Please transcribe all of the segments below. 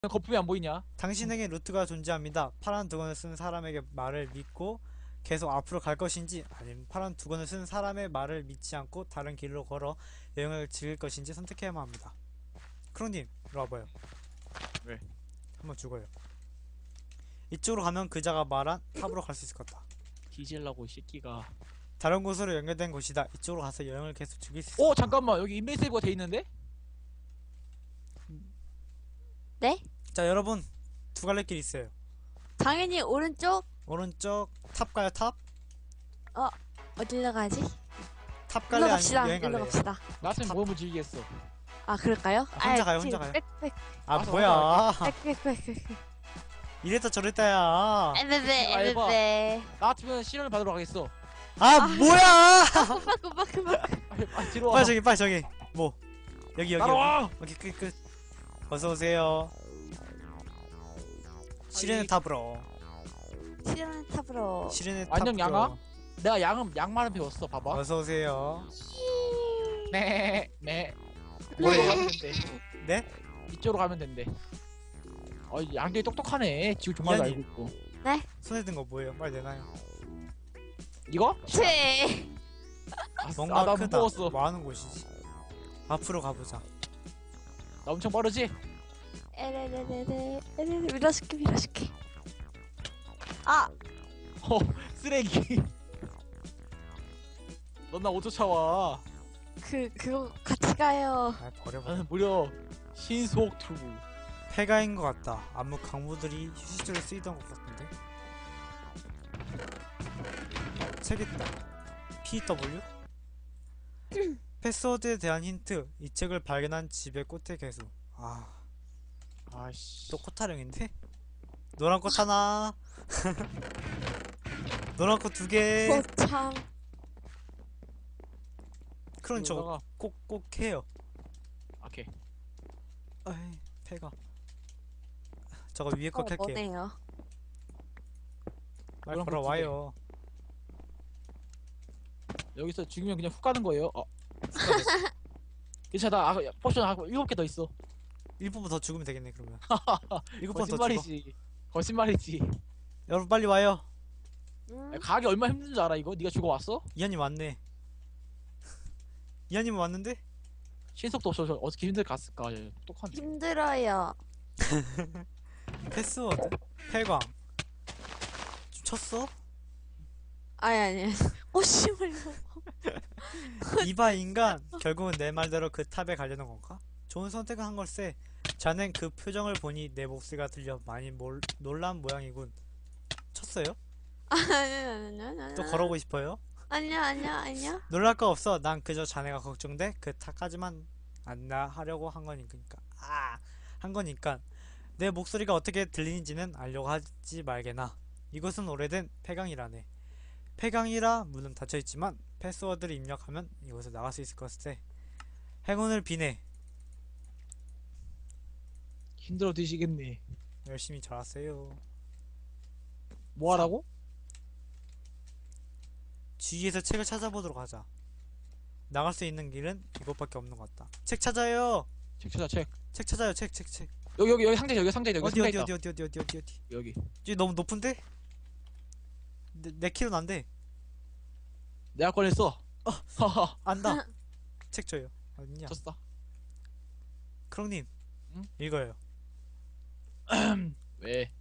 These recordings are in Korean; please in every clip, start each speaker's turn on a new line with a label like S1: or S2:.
S1: 거품이 안 보이냐?
S2: 당신에게 루트가 존재합니다. 파란 두건을 쓴 사람에게 말을 믿고 계속 앞으로 갈 것인지, 아니면 파란 두건을 쓴 사람의 말을 믿지 않고 다른 길로 걸어 여행을 즐길 것인지 선택해야만 합니다. 크롱님, 이리 와봐요.
S1: 왜?
S2: 한번 죽어요. 이쪽으로 가면 그자가 말한 탑으로 갈 수 있을 것 같다.
S1: 뒤질라고 이 새끼가.
S2: 다른 곳으로 연결된 곳이다. 이쪽으로 가서 여행을 계속 즐길 수 있을
S1: 어
S2: 것 같다.
S1: 잠깐만, 여기 인벤 세이브가 돼 있는데?
S3: 네?
S2: 자, 여러분, 두 갈래 길 있어요.
S3: 당연히 오른쪽.
S2: 오른쪽 탑 가요. 탑?
S3: 어디로 가지?
S2: 탑
S3: 일로
S2: 갈래? 아니면
S3: 갑시다.
S2: 여행
S3: 일로
S2: 갈래요?
S3: 갑시다.
S1: 나한테 모험을 즐기겠어.
S3: 아 그럴까요?
S2: 혼자 가요, 혼자 가요.
S3: 빽빽
S2: 아,
S1: 알았어,
S2: 뭐야.
S3: 빽빽빽빽.
S2: 이랬다 저랬다야.
S3: 에베베
S1: 해봐.
S3: 에베베.
S1: 나 같으면 실현을 받으러 가겠어.
S2: 아, 뭐야.
S3: 금방.
S1: 뒤로 와.
S2: 빨리 저기 뭐 여기
S1: 따라와.
S2: 여기 끝 어서 오세요. 시련의 탑으로.
S3: 시련의 탑으로.
S2: 시련의
S1: 안녕,
S2: 탑으로.
S1: 양아? 내가 양말은 배웠어. 봐봐.
S2: 어서 오세요.
S1: 네.
S2: 뭐예요?
S1: 이쪽으로 가면 된대.
S2: 네?
S1: 이쪽으로 가면 된대. 양들이 똑똑하네. 지구 종말도
S2: 미안해.
S1: 알고 있고.
S2: 손에 든 거 뭐예요? 빨리 내놔요.
S1: 이거?
S3: 치.
S2: 뭔가
S1: 나
S2: 크다.
S1: 무거웠어.
S2: 뭐 하는 곳이지? 앞으로 가보자.
S1: 나 엄청 빠르지?
S3: 에레레레레 밀어줄게. 아
S1: 쓰레기. 넌 나 5초 차와.
S3: 그거 같이 가요.
S2: 아, 버려버려.
S1: 나는 무려 신속 투구.
S2: 폐가인 것 같다. 암흑 강물들이 휴식지로 쓰이던 것 같은데. 책 있다. PW? 패스워드에 대한 힌트. 이 책을 발견한 집의 꽃의 개수.
S1: 아씨.
S2: 또 꽃타령인데? 노란 꽃 하나. 노란 꽃 두 개.
S3: 참.
S2: 그럼 저거 꼭 해요.
S1: 오케이.
S2: 아이, 폐가. 저거 위에 거 캘게요.
S3: 뭐네요.
S2: 빨리
S1: 노란 꽃
S2: 걸어와요.
S1: 여기서 죽이면 그냥 훅 가는 거예요. 괜찮아. 포션 하고 7개 더 있어.
S2: 1분 더 죽으면 되겠네 그러면. 7번 더 죽어.
S1: 거짓말이지.
S2: 여러분 빨리 와요.
S1: 가기 얼마나 힘든 줄 알아 이거? 네가 죽어왔어?
S2: 이한님 왔네. 이한님 왔는데?
S1: 신속도 없어. 저 어떻게 힘들게 갔을까? 똑똑한데.
S3: 힘들어요.
S2: 패스워드? 폐광. 좀 쳤어?
S3: 아니. 오심을.
S2: 이봐 인간. 결국은 내 말대로 그 탑에 가려는 건가? 좋은 선택을 한 걸세. 자넨 그 표정을 보니 내 목소리가 들려 많이 놀란 모양이군. 쳤어요?
S3: 아니야.
S2: 또 걸어오고 싶어요?
S3: 아니야.
S2: 놀랄 거 없어. 난 그저 자네가 걱정돼. 그 탑까지만 안나하려고 한 거니까. 한 거니까. 내 목소리가 어떻게 들리는지는 알려고 하지 말게나. 이곳은 오래된 폐강이라네. 폐강이라 문은 닫혀있지만 패스워드를 입력하면 이곳을 나갈 수 있을 것세. 행운을 비네.
S1: 힘들어 뒤지겠네.
S2: 열심히 잘하세요.
S1: 뭐 하라고?
S2: 주위에서 책을 찾아보도록 하자. 나갈 수 있는 길은 이곳밖에 없는 것 같다. 책 찾아요.
S1: 책 찾아 책.
S2: 책 찾아요. 책.
S1: 여기 상자 여기 상자 여기
S2: 어디
S1: 상자
S2: 어디
S1: 있다.
S2: 어디.
S1: 여기.
S2: 이게 너무 높은데? 내 키로는 안 돼.
S1: 내가 꺼냈어. 하하.
S2: 안다. 책 줘요. 어딨냐?
S1: 졌어.
S2: 크롱님.
S1: 응?
S2: 읽어요.
S1: 왜?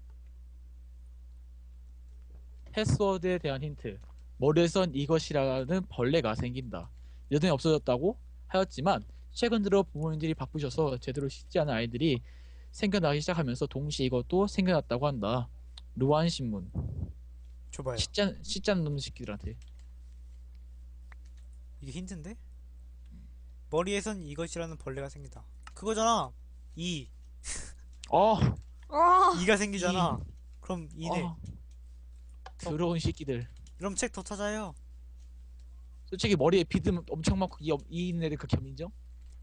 S1: 패스워드에 대한 힌트. 머리에선 이것이라는 벌레가 생긴다. 예전에 없어졌다고 하였지만 최근 들어 부모님들이 바쁘셔서 제대로 씻지 않은 아이들이 생겨나기 시작하면서 동시에 이것도 생겨났다고 한다. 루안 신문.
S2: 줘봐요.
S1: 씻지 않는 놈 새끼들한테.
S2: 이게 힌트인데? 머리에선 이것이라는 벌레가 생긴다. 그거잖아.
S1: 어.
S2: 이가 생기잖아. 그럼 이네.
S1: 더러운 새끼들.
S2: 그럼 책 더 찾아요.
S1: 솔직히 머리에 비듬 엄청 많고 이 있는 애들 극혐 인정?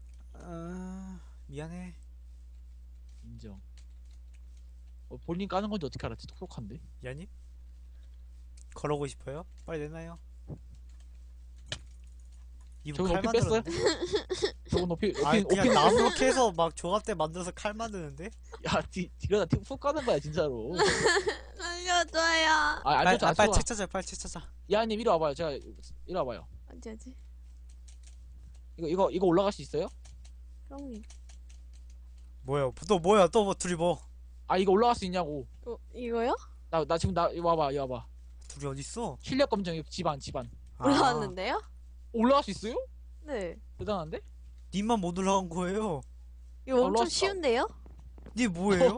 S2: 미안해.
S1: 인정. 본인 까는 건지 어떻게 알았지? 똑똑한데?
S2: 이하님? 걸어오고 싶어요? 빨리 내놔요. 이분
S1: 저거
S2: 칼
S1: 높이 뺐어요?
S2: 만들었는데?
S1: 저거 높이
S2: 아니
S1: 높이
S2: 그냥 나무로 캐서 막 조각대 만들어서 칼 만드는데?
S1: 야 뒤가 훅 가는 거야 진짜로.
S3: 알려줘요.
S1: 아
S2: 빨리,
S1: 알죠 안
S2: 빨리
S1: 좋아.
S2: 책 찾아 빨리 책 찾아.
S1: 야님 이리 와봐요. 제가 이리 와봐요.
S3: 어디지?
S1: 이거 올라갈 수 있어요?
S3: 형님.
S2: 뭐야 또 뭐야 또 뭐 둘이 뭐
S1: 아 이거 올라갈 수 있냐고.
S3: 이거요?
S1: 나 지금 나 이거 와봐 이거 와봐.
S2: 둘이 어딨어?
S1: 실력 검정 이거 집안.
S2: 아,
S3: 올라왔는데요?
S1: 올라갈 수 있어요?
S3: 네.
S1: 대단한데?
S2: 님만 못 올라간 거예요.
S3: 이거 엄청
S1: 올라왔어.
S3: 쉬운데요?
S2: 니 뭐예요?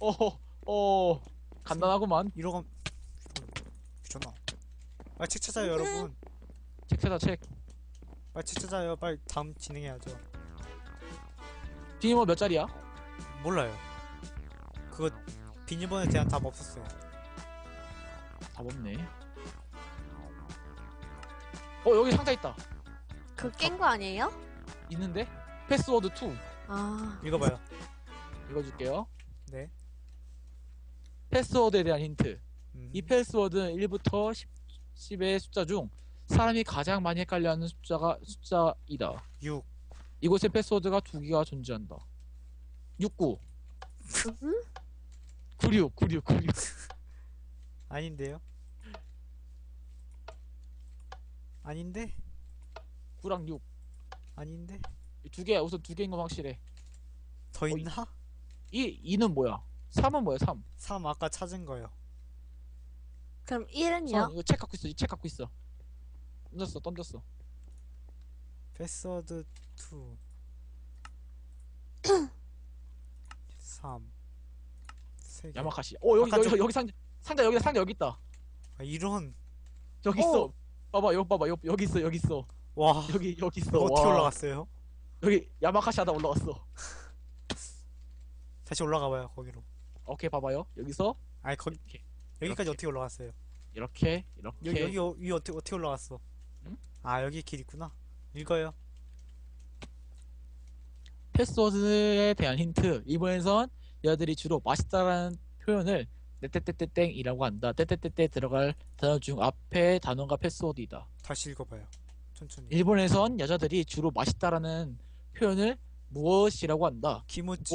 S1: 간단하구만.
S2: 이러고 귀찮아. 빨리 책 찾아요 여러분.
S1: 책 찾아 책.
S2: 빨리 책 찾아요. 빨리 다음 진행해야죠.
S1: 비밀번호 몇 자리야?
S2: 몰라요. 그거 비밀번호에 대한 답 없었어요.
S1: 답 없네. 여기 상자 있다.
S3: 그 깬 거 아니에요?
S1: 있는데? 패스워드 2
S3: 아.
S2: 읽어봐요.
S1: 읽어줄게요.
S2: 네.
S1: 패스워드에 대한 힌트.
S2: 음.
S1: 이 패스워드는 1부터 10의 숫자 중 사람이 가장 많이 헷갈려하는 숫자이다.
S2: 6.
S1: 이곳에 패스워드가 2개가 존재한다. 69 96
S2: 아닌데요? 아닌데?
S1: 9랑 6
S2: 아닌데?
S1: 우선 두 개인 건 확실해.
S2: 더 있나?
S1: 2는 뭐야? 3은 뭐야? 3.
S2: 3 아까 찾은 거요.
S3: 그럼 1은요?
S1: 이거 책 갖고 있어. 이 책 갖고 있어. 던졌어.
S2: 패스워드 2 3 3개.
S1: 야마카시.
S2: 아까
S1: 여기 상자 여기 있다.
S2: 아, 이런.
S1: 여기 있어. 봐봐. 여기 있어.
S2: 와.
S1: 여기 있어.
S2: 이거 어떻게
S1: 와.
S2: 올라갔어요?
S1: 여기 야마카시 하다 올라갔어.
S2: 다시 올라가봐요 거기로.
S1: 오케이 봐봐요. 여기서
S2: 아니 거기
S1: 이렇게
S2: 여기까지
S1: 이렇게.
S2: 어떻게 올라갔어요?
S1: 이렇게
S2: 여기 위 어떻게 올라갔어?
S1: 응?
S2: 아 여기 길 있구나. 읽어요.
S1: 패스워드에 대한 힌트. 이번에선 여자들이 주로 맛있다라는 표현을 떼떼떼떼땡이라고 한다. 떼떼떼떼 들어갈 단어 중 앞에 단어가 패스워드이다.
S2: 다시 읽어봐요. 천천히.
S1: 일본에선 여자들이 주로 맛있다라는 표현을 무엇이라고 한다.
S2: 키모치.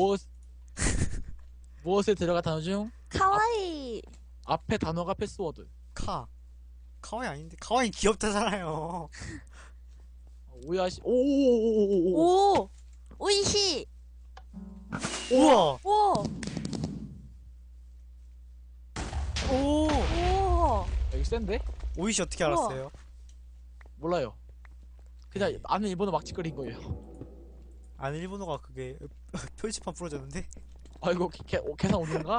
S1: 무엇에 들어갈 단어 중
S3: 카와이.
S1: 앞에 단어가 패스워드.
S2: 카와이 아닌데? 카와이 귀엽다잖아요.
S1: 오야시 오오오오오오.
S3: 오. 오이시.
S2: 우와.
S3: 오.
S2: 오.
S3: 오.
S1: 여기 센데?
S2: 오이시 어떻게
S3: 우와.
S2: 알았어요?
S1: 몰라요. 그냥 아는 일본어 막 짓거린 거예요.
S2: 아는 일본어가 그게 표지판 부러졌는데?
S1: 아 이거 계산 오는가?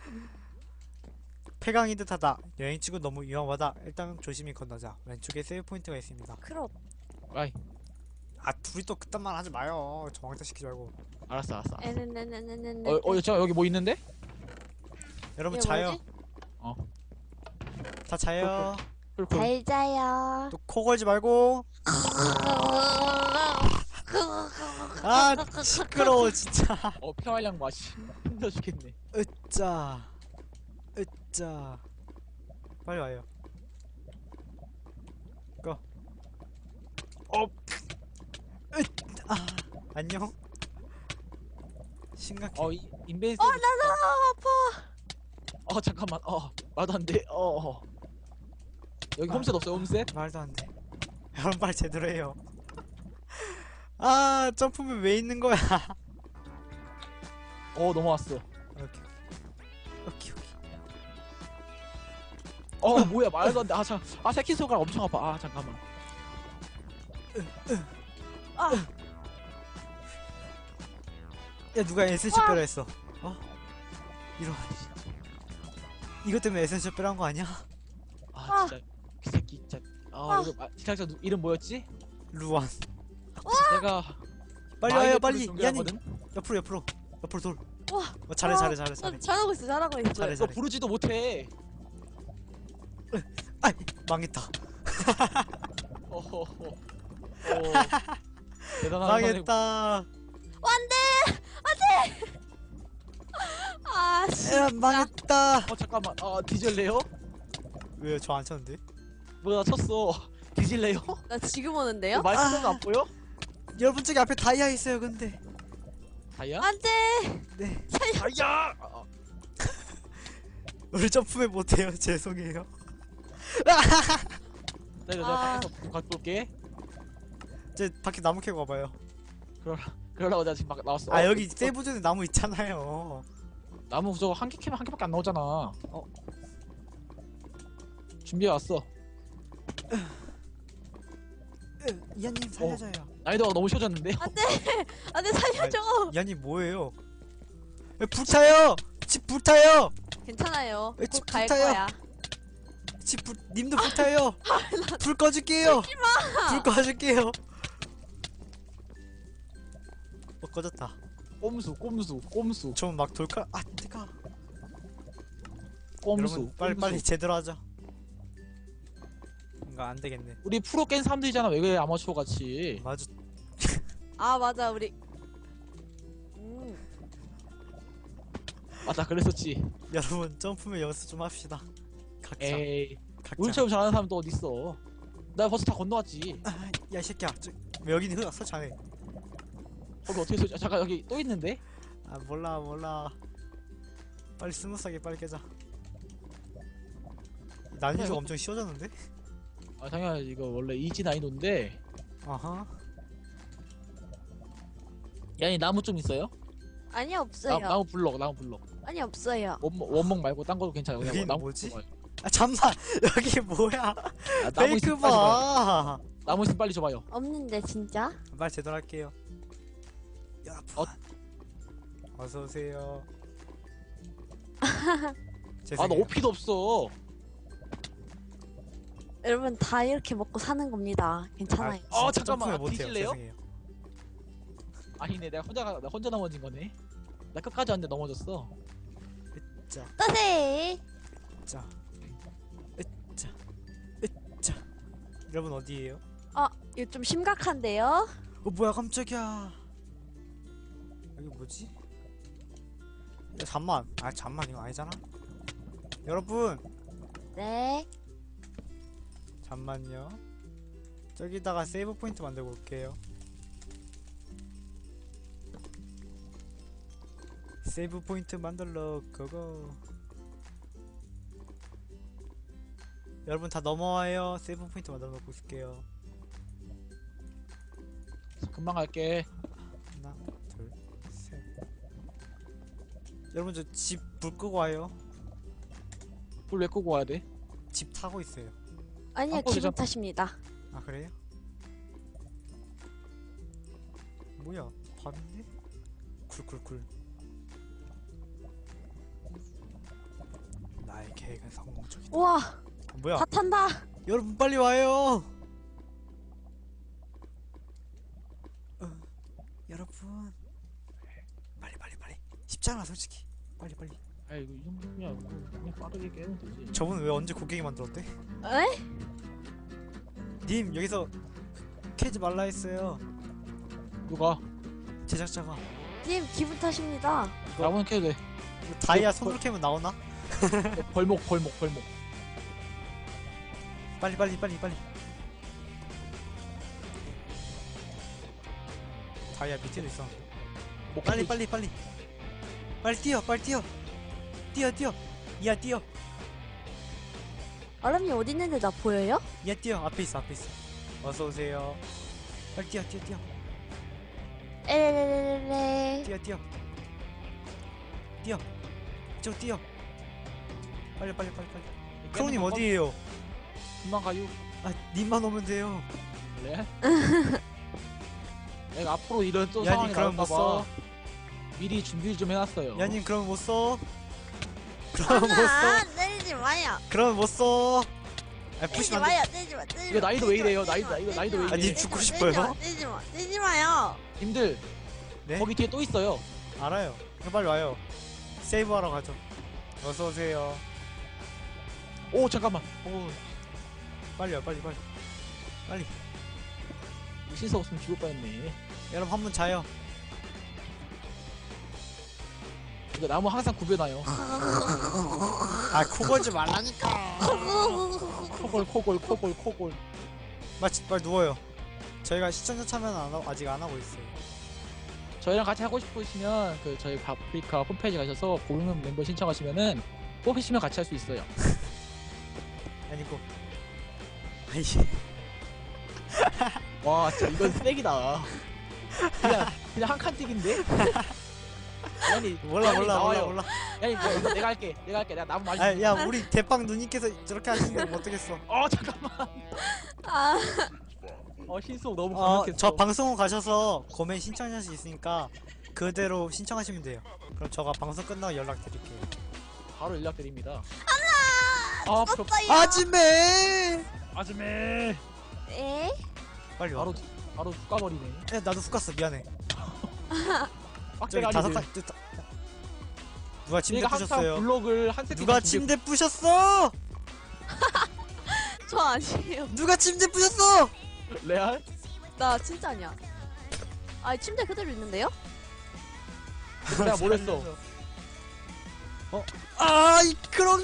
S2: 폐광이 듯하다. 여행치고 너무 위험하다. 일단 조심히 건너자. 왼쪽에 세이브 포인트가 있습니다.
S3: 크롭.
S1: 아이
S2: 아 둘이 또 그딴 말 하지 마요. 저 왕따 시키지 말고.
S1: 알았어.
S3: 에네네네네네.
S1: 잠깐 여기 뭐 있는데?
S2: 여러분
S3: 이게
S2: 자요.
S3: 뭐지?
S1: 어.
S2: 다 자요.
S1: 쿨쿨.
S3: 잘 자요.
S2: 또 코 걸지 말고. 아 시끄러워 진짜.
S1: 평활량 맛이 힘들어 죽겠네.
S2: 으짜. 빨리 와요. 고. 안녕. 심각해.
S1: 인벤스.
S3: 나 아파.
S1: 잠깐만. 말도 안 돼. 여기 홈셋 없어요, 홈셋?
S2: 말도 안 돼. 여러분 빨리 제대로 해요. 아 점프면 왜 있는 거야?
S1: 넘어왔어.
S2: 오케이.
S1: 뭐야, 말도 안 돼. 새끼손가락 엄청 아파. 잠깐만.
S3: 아.
S2: 야 누가 에센셜 빼라 했어? 이런. 이것 때문에 에센셜 빼라는 거 아니야?
S1: 진짜. 그 새끼, 진짜. 이거, 제작자 이름 뭐였지?
S2: 루안.
S1: 내가.
S2: 빨리 와요
S1: 마이네트를
S2: 빨리. 야니
S1: 존경하거든?
S2: 옆으로 돌.
S3: 와.
S2: 잘해.
S3: 잘하고 있어.
S2: 잘해.
S1: 너 부르지도 못해.
S2: 아이 망했다.
S1: 어허허. 대단한
S2: 망했다.
S3: 아, 씨.
S2: 야 망했다.
S1: 잠깐만. 뒤질래요?
S2: 왜요? 저 안 쳤는데?
S1: 뭐야, 쳤어. 뒤질래요?
S3: 나 지금 오는데요?
S1: 말씀은 안 보여?
S2: 여러분 저기 앞에 다이아 있어요. 근데
S1: 다이아?
S3: 안돼.
S2: 네
S1: 다이아!
S2: 우리 점프맨 못해요. 죄송해요.
S1: 내가
S3: 아.
S1: 밖에서 좀 갖고 올게.
S2: 제 밖에 나무 캐고 와봐요.
S1: 그러려고 내가 지금 밖에 나왔어.
S2: 아 여기 세이브존에 나무 있잖아요.
S1: 나무 저거 한 개 캐면 한 개밖에 안 나오잖아. 준비해 왔어.
S2: 이한님 살려줘요.
S1: 난이도가 너무 쉬워졌는데?
S3: 안돼 살려줘.
S2: 이한님 뭐예요? 불타요. 집 불타요.
S3: 괜찮아요.
S2: 왜
S3: 곧 갈
S2: 집부터요?
S3: 거야.
S2: 님도 불타요. 불 꺼줄게요. 불 꺼줄게요. 꺼졌다.
S1: 꼼수.
S2: 저 막 돌칼. 아 뜨거.
S1: 꼼수.
S2: 여러분 빨리 제대로 하자. 뭔가 안 되겠네.
S1: 우리 프로 깬 사람들이잖아. 왜 그래 아마추어 같이.
S2: 맞아.
S3: 아 맞아 우리.
S1: 맞아 그랬었지.
S2: 여러분 점프맨 연습 좀 합시다. 각자.
S1: 에이.
S2: 각자.
S1: 우리처럼 잘하는 사람 또 어딨어. 나 벌써 다 건너왔지.
S2: 아, 야이 새끼야. 왜 여기는 흘렀어 자네?
S1: 거기 어떻게 쏘지? 잠깐 여기 또 있는데?
S2: 아 몰라. 빨리 스무스하게 빨리 깨자. 난이도가
S1: 이거-
S2: 엄청 쉬워졌는데?
S1: 아 당연히 이거 원래 이지 난이도인데.
S2: 아하.
S1: 야니 나무 좀 있어요?
S3: 아니 없어요.
S1: 나무 블럭.
S3: 아니 없어요.
S1: 원목 말고 딴 거도 괜찮아요. 그냥
S2: 여긴
S1: 나무
S2: 뭐지?
S1: 줘봐요.
S2: 아 잠만. 여기 뭐야?
S1: 아, 나무
S2: 페이크
S1: 있으면 빨리 줘봐요.
S2: 봐.
S1: 나무 있으면 빨리 줘봐요.
S3: 없는데 진짜?
S2: 말 제대로 할게요. 여러분.
S1: 어?
S2: 어서 오세요.
S1: 아 나
S2: 죄송해요.
S1: 오피도 없어.
S3: 여러분 다 이렇게 먹고 사는 겁니다. 괜찮아요.
S1: 아,
S2: 진짜
S1: 잠깐만.
S2: 점프를 못해요.
S1: 뒤질래요?
S2: 죄송해요.
S1: 아니네 나 혼자 넘어진 거네. 나 끝까지 왔는데 넘어졌어.
S3: 따세.
S2: 자, 으짜. 여러분 어디에요?
S3: 이거 좀 심각한데요?
S2: 뭐야 깜짝이야. 여기 뭐지? 야, 잠만. 아 잠만 이거 아니잖아. 여러분
S3: 네.
S2: 잠만요. 저기다가 세이브 포인트 만들고 올게요. 세이브 포인트 만들러 고고. 여러분 다 넘어와요. 세이브 포인트 만들어 놓고 있을게요.
S1: 금방 갈게.
S2: 하나, 둘, 셋. 여러분 저 집 불 끄고 와요.
S1: 불 왜 끄고 와야 돼?
S2: 집 타고 있어요.
S3: 아니요
S1: 아,
S3: 기분
S1: 거기서-
S3: 탓입니다.
S2: 아 그래요? 뭐야 밤인데? 쿨쿨쿨. 나의 계획은 성공적이다.
S3: 우와
S2: 뭐야?
S3: 다 탄다.
S2: 여러분 빨리 와요. 여러분 빨리 쉽잖아 솔직히. 빨리
S1: 아 이거 이 정도면 그냥 빠르게 깨면 되지.
S2: 저분 왜 언제 곡괭이 만들었대?
S3: 에?
S2: 님 여기서 캐지 말라 했어요.
S1: 누가?
S2: 제작자가.
S3: 님 기분 탓입니다.
S1: 나무는 캐도 돼.
S2: 이거 다이아 손으로 캐면 나오나?
S1: 벌목.
S2: 빨리 다이아 밑에도 있어.
S1: 목
S2: 빨리
S1: 캐도
S2: 뛰어 뛰어 이야 뛰어
S3: 얼음이 어디 있는데 나 보여요?
S2: 이야 뛰어 앞에 있어 어서 오세요. 빨리 뛰어
S3: 에레레레레.
S2: 뛰어 저 뛰어 빨리
S1: 있-
S2: 크로님
S1: 깨는 거
S2: 어디에요?
S1: 금방 가요.
S2: 아 님만 오면 돼요.
S1: 그래? 내가 앞으로 이런 또
S2: 야님
S1: 상황이
S2: 그럼 못
S1: 나올까봐
S2: 써.
S1: 미리 준비를 좀 해놨어요.
S2: 야님 그럼 못 써. 그럼 못 써.
S3: 때리지 마요.
S2: 그럼 못 써. 아
S3: 때리지
S2: 푸시면 안 돼.
S3: 마요. 때리지 마.
S1: 이거 나이도 왜 이래요? 나이도 왜
S2: 아, 님 죽고 싶어요?
S3: 때리지 마요.
S1: 님들
S2: 네?
S1: 거기 뒤에 또 있어요.
S2: 알아요. 그럼 빨리 와요. 세이브 하러 가죠. 어서 오세요.
S1: 오 잠깐만.
S2: 빨리요. 빨리.
S1: 실수 없으면 죽을 뻔했네.
S2: 여러분 한 분 자요.
S1: 이거 나무 항상 구겨놔요.
S2: 아 코걸지 말라니까.
S1: 코골.
S2: 빨리 누워요. 저희가 시청자 참여는 아직 안 하고 있어요.
S1: 저희랑 같이 하고 싶으시면 그 저희 파프리카 홈페이지 가셔서 고용 멤버 신청하시면은 뽑히시면 같이 할 수 있어요.
S2: 아니고. 아이.
S1: 와 진짜 이건 쓰레기다. 그냥 한 칸 찍인데? 아니
S2: 몰라.
S1: 아니 이거 내가 할게. 내가 나무 많이.
S2: 아, 야, 우리 대빵 누님께서 저렇게 하시는데 뭐 어떡겠어.
S1: 잠깐만.
S3: 아,
S1: 신속 너무
S2: 저
S1: 강력했어.
S2: 방송국 가셔서 고멘 신청할 수 있으니까 그대로 신청하시면 돼요. 그럼 저가 방송 끝나고 연락드릴게요.
S1: 바로 연락드립니다.
S3: 죽었어요.
S2: 아줌매!
S1: 아줌매.
S3: 에?
S2: 빨리 와.
S1: 바로 훅 가버리네.
S2: 야, 나도 훅 갔어. 미안해. 저기
S1: 빡대가리들.
S2: 다섯 칸. 누가 침대
S1: 내가 항상
S2: 부셨어요?
S1: 블록을 한 세트
S2: 누가 침대 부셨어?
S3: 저 아니에요.
S2: 누가 침대 부셨어?
S1: 레알?
S3: 나 진짜 아니야. 아, 침대 그대로 있는데요?
S1: 내가 뭘 했어?
S2: 아, 이 크롱님!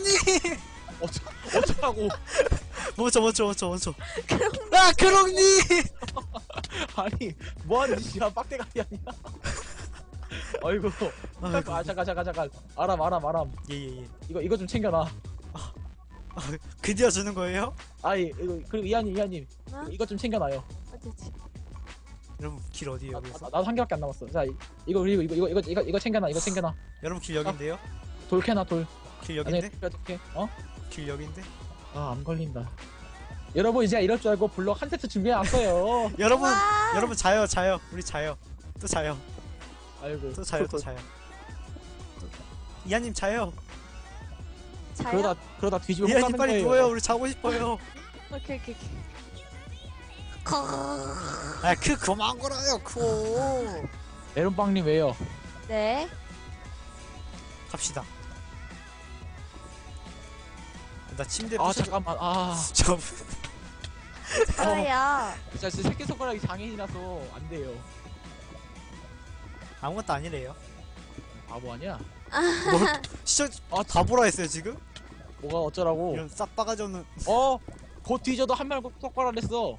S1: 어쩌라고?
S2: 멈춰. 아, 크롱님!
S1: 아니 뭐하는 짓이야? 빡대가리 아니야? 아이고. 잠깐. 아람.
S2: 예.
S1: 이거 좀 챙겨놔.
S2: 드디어 주는 거예요?
S1: 아이 이거 그리고 이하님
S3: 어?
S1: 이거 좀 챙겨놔요.
S3: 어디지?
S2: 여러분 길 어디에요? 여기서?
S1: 나도 한 개밖에 안 남았어. 자 이거 그리고 이거 챙겨놔. 이거 챙겨놔.
S2: 여러분 길 여긴데요?
S1: 돌 캐놔 돌.
S2: 길
S1: 안에
S2: 여긴데?
S1: 어떻게? 어?
S2: 길 여긴데?
S1: 안 걸린다. 여러분 이제 이럴 줄 알고 블록 한 세트 준비해놨어요.
S2: 여러분
S3: 와.
S2: 여러분 자요. 우리 자요. 또 자요.
S1: 아이고.
S2: 또 자요. 이하님 자요.
S3: 자요?
S1: 그러다 뒤집어 못
S2: 이하님
S1: 가는
S2: 빨리
S1: 거예요.
S2: 누워요. 우리 자고 싶어요.
S3: 오케이.
S2: 아, 그만 걸어요.
S1: 메론빵님 왜요?
S3: 네.
S2: 갑시다. 나 침대
S1: 잠깐만.
S2: 저
S3: 저요.
S1: 진짜 새끼손가락이 장애인이라서 안 돼요.
S2: 아무것도 아니래요.
S1: 바보 아니야?
S2: 뭘 시청 다 보라 했어요 지금?
S1: 뭐가 어쩌라고?
S2: 이런 싹 바가지 없는.
S1: 곧 뒤져도 한 말 똑바로 안 했어.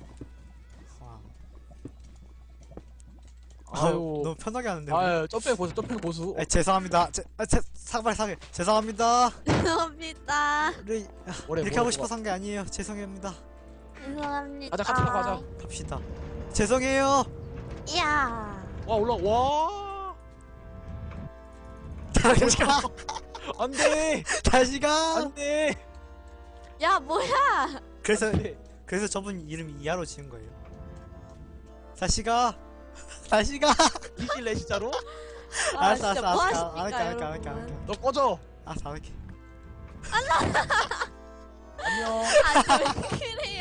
S1: 아유.
S2: 너무 편하게 하는데.
S1: 아유, 점프 고수.
S2: 죄송합니다. 사과해. 죄송합니다.
S3: 죄송합니다.
S2: 우리 이렇게 하고 싶어서 한 게 아니에요. 죄송합니다.
S3: 죄송합니다.
S1: 가자.
S2: 갑시다. 죄송해요.
S3: 이야.
S1: 와 와.
S2: 다시 가.
S1: 안돼.
S2: 다시 가.
S1: 안돼.
S3: 야, 뭐야?
S2: 그래서 저분 이름이 이하로 지은 거예요. 다시 가.
S1: 이길래 진짜로?
S2: 알았어.
S3: 진짜 뭐
S2: 안
S3: 하십니까,
S2: 할게.
S3: 여러분?
S1: 너 꺼져.
S2: 알았어, 안 할게.
S1: 안녕.
S3: 왜 그래요?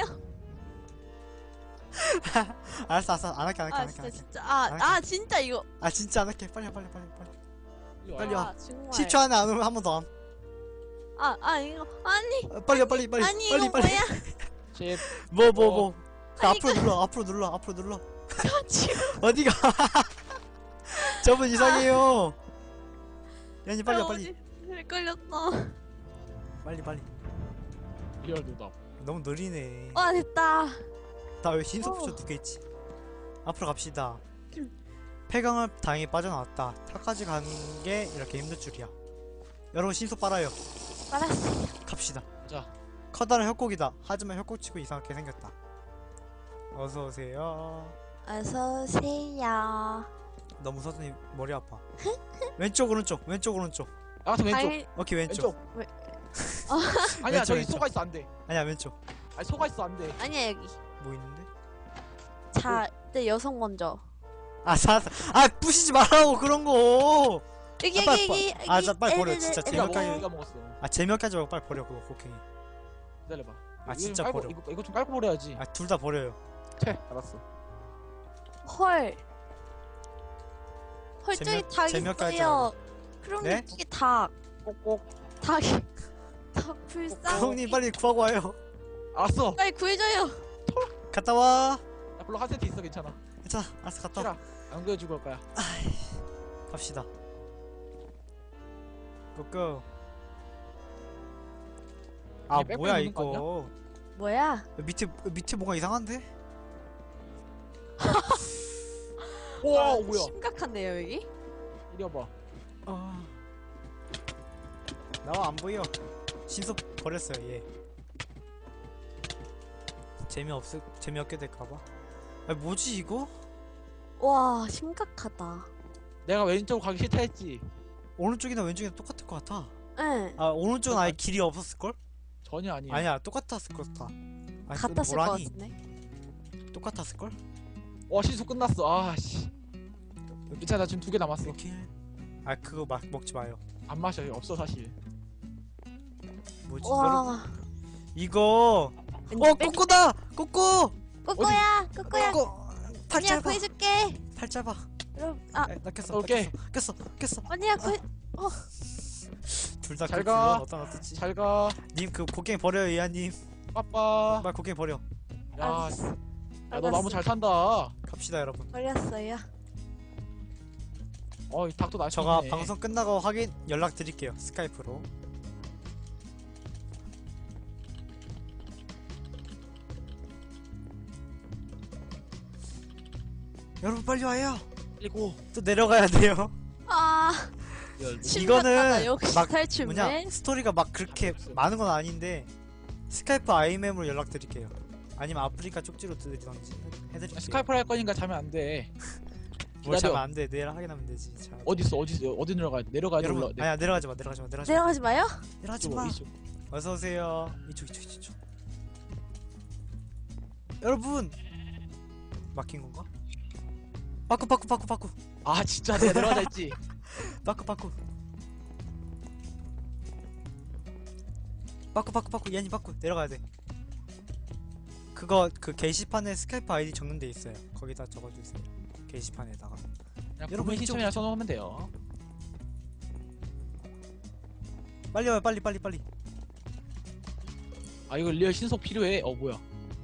S2: 알았어, 안 할게.
S3: 진짜. 진짜 이거.
S2: 진짜 안 할게. 빨리. 빨리 와.
S3: 정말.
S2: 10초 안에 안 오면 한 번 더 함.
S3: 이거. 아니.
S2: 빨리.
S3: 아니, 이거 뭐야?
S1: 10.
S2: 뭐.
S3: 아니,
S2: 앞으로 눌러.
S3: 지금.
S2: 어디가? 저분 이상해요. 야니 빨리 와.
S3: 걸렸어.
S2: 빨리.
S1: 리얼 노답.
S2: 너무 느리네.
S3: 와, 됐다.
S2: 나 왜 신속부터 2개 있지? 앞으로 갑시다. 폐광을 다행히 빠져나왔다. 탑까지 가는 게 이렇게 힘들 줄이야. 여러분 신속 빨아요.
S3: 알았어.
S2: 갑시다.
S1: 자.
S2: 커다란 협곡이다. 하지만 협곡치고 이상하게 생겼다. 어서 오세요.
S3: 어서 오세요.
S2: 너무 서준이 머리 아파. 왼쪽 오른쪽.
S1: 나가서 왼쪽.
S3: 당연히-
S2: 오케이 왼쪽.
S1: 아니야 저기
S2: 왼쪽.
S1: 속아 있어 안 돼.
S2: 아니야 왼쪽.
S1: 아니 속아 있어 안 돼.
S3: 아니야, 여기.
S2: 뭐 있는데?
S3: 자, 네, 여성 먼저.
S2: 부시지 말라고 그런 거.
S3: 여기.
S2: 빨리 버려. 진짜
S1: 내가
S2: 재미없게
S1: 내가 먹었어.
S2: 재미없게 하지 말고 빨리 버려 그거 곡괭이.
S1: 기다려봐.
S2: 진짜
S1: 이거
S2: 버려.
S1: 이거 좀 깔고 버려야지.
S2: 둘 다 버려요.
S1: 알았어.
S3: 헐. 저기 닭
S2: 재미없게 하지
S3: 있어요. 그럼
S2: 네?
S3: 이게 닭.
S1: 꼭꼭.
S3: 닭이. 닭 불쌍.
S2: 형님 빨리 구하고 와요.
S1: 알았어.
S3: 빨리 구해줘요.
S2: 갔다 와.
S1: 나 별로 한 세트 있어 괜찮아.
S2: 괜찮아. 알았어 갔다 와.
S1: 안 구해주고 올 거야.
S2: 갑시다. 고고.
S1: 이게 빼빼
S2: 뭐야
S1: 놓는 거
S2: 이거.
S3: 뭐야?
S2: 밑에 뭐가 이상한데?
S1: 우와
S3: 아,
S1: 뭐야?
S3: 심각한데요 여기?
S1: 이리 와봐.
S2: 나와 안 보여. 신속 버렸어요 얘. 재미없게 될까봐. 아 뭐지 이거?
S3: 와 심각하다.
S1: 내가 왼쪽 가기 싫다 했지.
S2: 오른쪽이나 왼쪽이나 똑같을 것 같아.
S3: 응.
S2: 아 오른쪽은 아예 길이 없었을걸?
S1: 전혀 아니야.
S2: 아니야 똑같았을 것 같아. 아,
S3: 같았을 것
S2: 뭐라니?
S3: 같은데.
S2: 똑같았을걸?
S1: 와 신속 끝났어. 아씨. 괜찮아 나 지금 2개 남았어.
S2: 아 그거 막 먹지 마요.
S1: 안 마셔. 없어 사실.
S2: 뭐지? 여러분
S3: 와.
S2: 이거
S3: 왠지 뺑-
S2: 꼬꼬다! 꼬꼬!
S3: 꼬꼬야 꼬꼬야.
S2: 꼬꼬! 팔
S3: 언니야
S2: 짧아.
S3: 구해줄게.
S2: 팔 짧아.
S3: 여러분 아
S2: 나 꼈어.
S1: 오케이.
S2: 꼈어.
S3: 언니야 구해.
S2: 둘 다
S1: 잘
S2: 그
S1: 가.
S2: 어떤 어떻지?
S1: 잘 가.
S2: 님 그 곡괭이 버려요 이하님.
S1: 빠빠.
S2: 빨리 곡괭이 버려.
S1: 야,
S3: 알았어.
S1: 야, 너 나무 잘 탄다.
S2: 갑시다 여러분.
S3: 버렸어요.
S1: 이 닭도 날씨
S2: 저가
S1: 있네.
S2: 방송 끝나고 확인 연락 드릴게요. 스카이프로. 여러분 빨리 와요.
S1: 그리고
S2: 또 내려가야 돼요.
S3: 아
S1: 이거는
S3: 심각하다. 역시
S2: 막
S3: 탈출맨.
S2: 뭐냐 스토리가 막 그렇게 많은 건 아닌데 스카이프 아이멤으로 연락 드릴게요. 아니면 아프리카 쪽지로 드리던지 해드릴게요.
S1: 스카이프를 할 거니까 자면 안 돼.
S2: 뭘
S1: 기다려.
S2: 자면 안 돼. 내일 확인하면 되지. 자,
S1: 어디 내려가야 돼? 내려가야 돼.
S2: 여러분
S1: 올라.
S2: 아니야 내려가지 마. 내려가지 마.
S3: 내려가지 마요.
S2: 내려가지
S1: 이쪽,
S2: 마.
S1: 이쪽.
S2: 어서 오세요. 이쪽. 여러분 막힌 건가? 바꾸.
S1: 아 진짜 내가 내려가자 했지.
S2: 바꾸. 얘니 바꾸 내려가야 돼. 그거 그 게시판에 스카이프 아이디 적는 데 있어요. 거기다 적어주세요. 게시판에다가.
S1: 그냥
S2: 여러분,
S1: 여러분
S2: 이쪽,
S1: 시청이랑 써놓으면 돼요.
S2: 빨리 와요. 빨리.
S1: 아 이거 리얼 신속 필요해. 뭐야?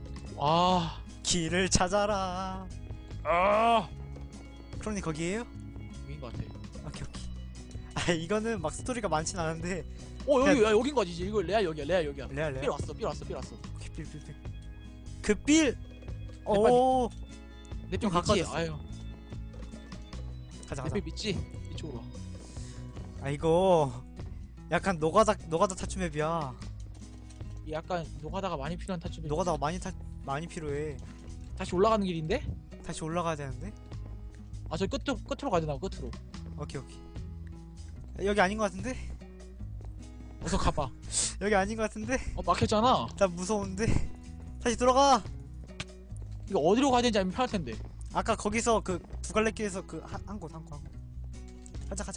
S2: 길을 찾아라.
S1: 아
S2: 크로니 거기에요?
S1: 여긴 것 같아.
S2: 오케이. 아 이거는 막 스토리가 많진 않은데.
S1: 여기 여긴 거지. 이거 레아 여기야.
S2: 레알.
S1: 필 왔어.
S2: 오케이, 빌. 그 빌. 오.
S1: 내필
S2: 좀
S1: 믿지?
S2: 가까워졌어.
S1: 아유
S2: 가자.
S1: 내필 믿지? 이쪽으로 와.
S2: 아 이거 약간 노가다 타추맵이야.
S1: 이 약간 노가다가 많이 필요한 타축이.
S2: 노가다가 많이 필요해.
S1: 다시 올라가는 길인데?
S2: 다시 올라가야 되는데.
S1: 아 저 끝으로 가야 되나? 끝으로.
S2: 오케이. 여기 아닌 것 같은데?
S1: 어서 가봐.
S2: 여기 아닌 것 같은데?
S1: 막혔잖아.
S2: 나 무서운데? 다시 돌아가!
S1: 이거 어디로 가야 되는지 알면 편할 텐데.
S2: 아까 거기서 그 두 갈래 길에서 그 한 곳. 가자.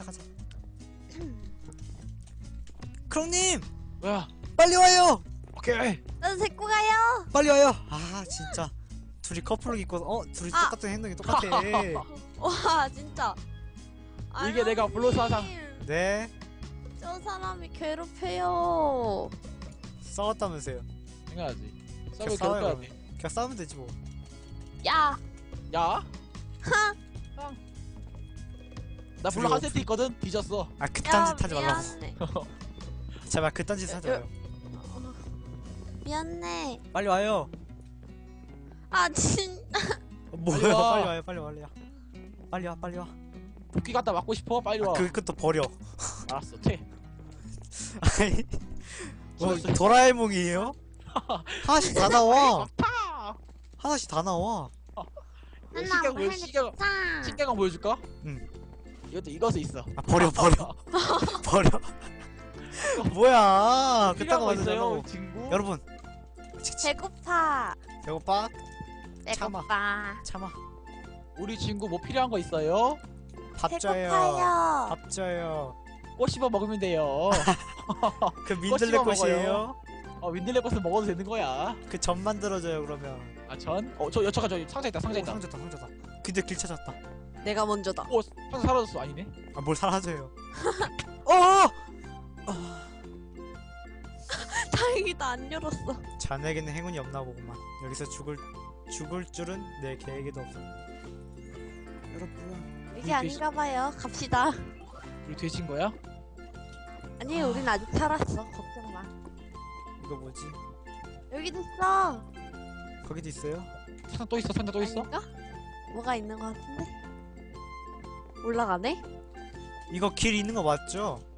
S2: 크롱님!
S1: 뭐야?
S2: 빨리 와요!
S1: 오케이.
S3: 나도 데리고 가요.
S2: 빨리 와요! 아 진짜 둘이 커플룩 입고 둘이
S3: 아.
S2: 똑같은 행동이 똑같아.
S3: 와 진짜.
S1: 이게 내가 블루 사상.
S3: 알로님,
S2: 네
S3: 저 사람이 괴롭혀요.
S2: 싸웠다면서요.
S1: 당연하지. 싸움을
S2: 그냥 싸워요,
S1: 겨울까야 돼.
S2: 그냥 싸우면 되지 뭐.
S3: 야.
S1: 야. 나 블루
S2: 둘이
S1: 한 세트 있거든. 뒤졌어.
S2: 아 그딴
S3: 야
S2: 짓 하지 말라고.
S3: 미안해.
S2: 제발 그딴 짓 하지 마요.
S3: 미안해.
S2: 빨리 와요.
S3: 아 진.
S2: 뭐야?
S1: 빨리 와.
S2: 빨리 와.
S1: 도끼 갖다 맞고 싶어? 빨리 와.
S2: 그것도 버려.
S1: 알았어. 퇴.
S2: 아니, 뭐
S1: 죽었어.
S2: 도라에몽이에요? 하나씩 다 나와.
S1: 타.
S2: 하나씩 다 나와.
S1: 신경 보여줄까?
S2: 응.
S1: 이것도 있어.
S2: 아 버려. 뭐야? 그딴 거
S1: 있어요.
S2: 만들잖아.
S1: 친구.
S2: 여러분,
S3: 배고파.
S2: 배고파?
S3: 배고파.
S2: 참아.
S1: 우리 친구 뭐 필요한 거 있어요?
S2: 밥 줘요.
S3: 배고파요.
S2: 밥 줘요.
S1: 꽃 씹어 먹으면 돼요.
S2: 그 민들레
S1: 씹어
S2: 꽃이에요?
S1: 윈들레 꽃은 먹어도 되는 거야.
S2: 그 전 만들어줘요 그러면.
S1: 아 전? 저 여차가 저 상자 있다. 상자
S2: 오,
S1: 있다.
S2: 상자다. 근데 길 찾았다.
S3: 내가 먼저다.
S1: 오 상자 사라졌어. 아니네.
S2: 아 뭘 사라져요?
S3: 다행이다 안 열었어.
S2: 자네에게는 행운이 없나 보구만. 여기서 죽을 줄은 내 계획에도 없어. 여러분,
S3: 이게 아닌가 봐요. 갑시다.
S1: 우리 돼진 거야?
S3: 아니 우린 아직 살았어. 걱정 마.
S2: 이거 뭐지?
S3: 여기도 있어.
S2: 거기도 있어요?
S1: 상자 또 있어. 상자 또 있어?
S3: 아닌가? 뭐가 있는 것 같은데? 올라가네?
S2: 이거 길 있는 거 맞죠?